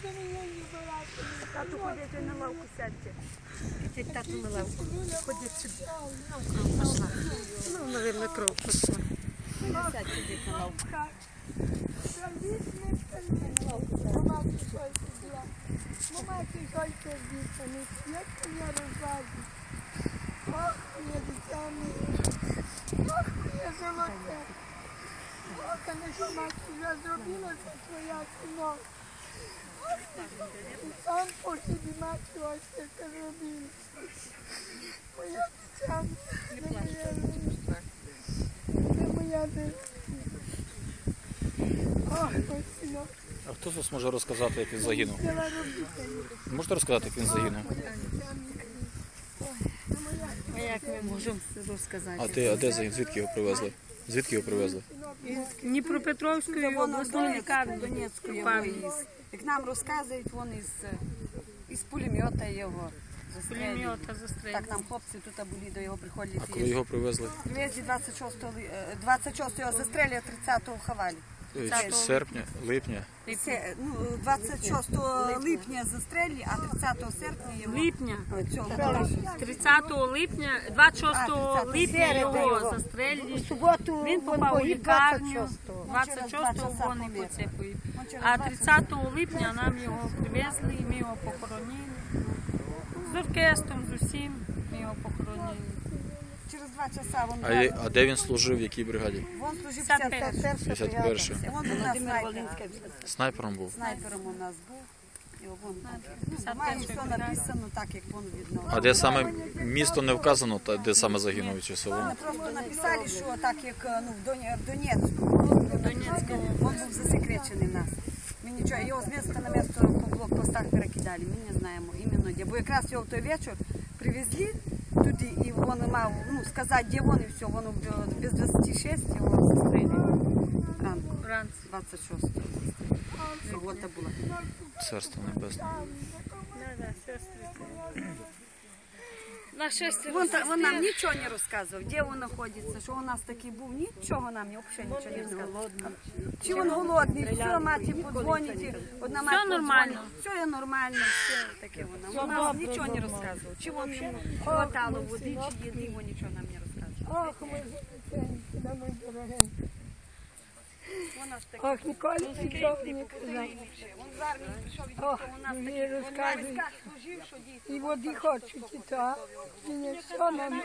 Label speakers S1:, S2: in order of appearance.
S1: Тату, ходіть на лавку, сядьте. Ходіть, тату, на лавку. Ходіть сюди. Кров пішла. Ну, мабуть, кров пішла. Сядь, ходіть на лавку.
S2: Мамаки, кольця дітями, як я розважу. Ох, моє дитя моє. Ох, моє золоте. Ох, конечно, мати, я зробила це твоя кіно. Ох, сам по собі мати ось це робила. Моя дитя моє, це моя дитя. Ох, мой синок.
S3: А хто з вас може розказати, як він загинув? Можете розказати, як він загинув?
S1: А як ми можемо розказати?
S3: А де загинув? Звідки його привезли? Звідки його привезли?
S1: Із Дніпропетровської обласної лікарні.
S4: Донецької як нам розказують, вони із пулемета його застрелили.
S1: Пулемета застрелили.
S4: Так, там хлопці тут були, до його приходили.
S3: А коли його привезли?
S4: Привезли 26-го застрелили, 30-го ховали.
S3: Серпня, липня?
S4: 26 липня застрелили, а 30 серпня його...
S1: Липня.
S4: Цього
S1: 30 липня, 26 липня його застрелили. Він попав у лікарню, 26-го вони поцепили. А 30 липня нам його привезли, і ми його похоронили. З оркестром, з усім ми його похоронили.
S4: Через 2 часа він...
S3: А де він служив, в якій бригаді?
S4: Він служив
S3: 51-й.
S4: Він у нас
S3: Снайпером був?
S4: снайпером у нас був. Має все написано так, як він видно.
S3: А де саме місто не вказано, де саме загинув часово?
S4: Вони просто написали, що так як в Донецьку, він був засекречений в нас. Ми нічого, його з міста на місто по блокпостах перекидали, ми не знаємо іменно де. Бо якраз його в той вечір привезли туди, і він мав сказати, де він, і все, він без 26 його застрелили. Ранку, 26-го. Субота була.
S3: Царство небесне.
S4: Він нам нічого не розказував, де він знаходиться, що у нас такий був, нічого нам взагалі нічого не розказував. Чи він голодний, все, маті подзвонить, одна мать
S1: нормально.
S4: Все є нормально, все таке воно. Він нам нічого не розказував, чи він хватало води, чи їди, він нічого нам не розказував.
S2: Ох, мої дитинки, мої дорогенькі. Ох, ніколи нічого не казав. Ох, мені розказують. І води хочуть, і то. Мені все нам.